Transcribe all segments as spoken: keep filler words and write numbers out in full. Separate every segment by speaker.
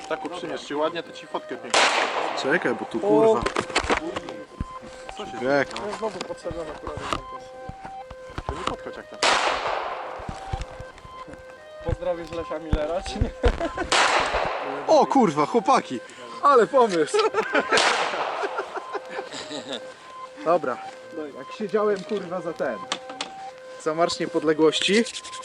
Speaker 1: Tak uprzymiesz się ładnie, to ci fotkę pięknie.
Speaker 2: Czekaj, bo tu kurwa.
Speaker 1: Co się
Speaker 2: Jak?
Speaker 1: dzieje?
Speaker 3: No znowu podszedłem akurat do kontestu.
Speaker 1: To nie podchodź jak tam.
Speaker 3: Pozdrowisz Lesia Millera, czy nie?
Speaker 2: O kurwa, chłopaki! Ale pomysł! Dobra, jak siedziałem kurwa za ten. Za Marsz Niepodległości.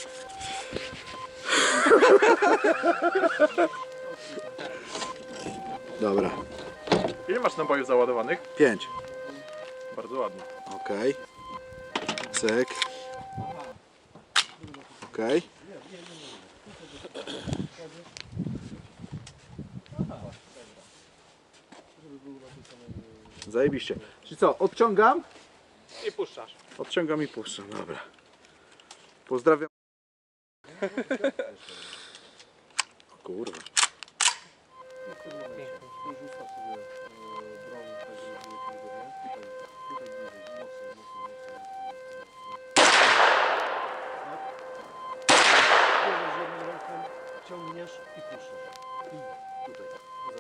Speaker 2: Dobra,
Speaker 1: Ile masz nabojów załadowanych?
Speaker 2: pięć.
Speaker 1: Bardzo ładnie.
Speaker 2: Okej. Cyk. Okej. Zajebiście. Czyli co, odciągam?
Speaker 1: I puszczasz.
Speaker 2: Odciągam i puszczam, dobra. Pozdrawiam. O kurwa.
Speaker 3: Ciągniesz i puszczasz. I tutaj.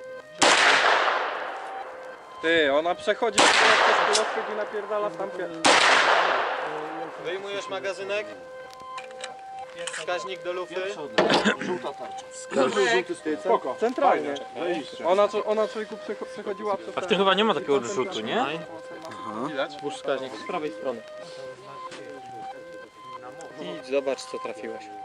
Speaker 3: Ty, ona przechodzi przez kulochwyt i napierdala w tamkę.
Speaker 4: Wyjmujesz magazynek, wskaźnik do lufy.
Speaker 3: Żółta tarcza.
Speaker 1: Spoko.
Speaker 3: Centralnie.
Speaker 1: Zajebiście.
Speaker 3: Ona, ona człowieku przecho- przechodziła przez
Speaker 5: A w tym chyba nie ma takiego rzutu, nie?
Speaker 1: Widać?
Speaker 4: Włóż wskaźnik z prawej strony. I zobacz co trafiłeś.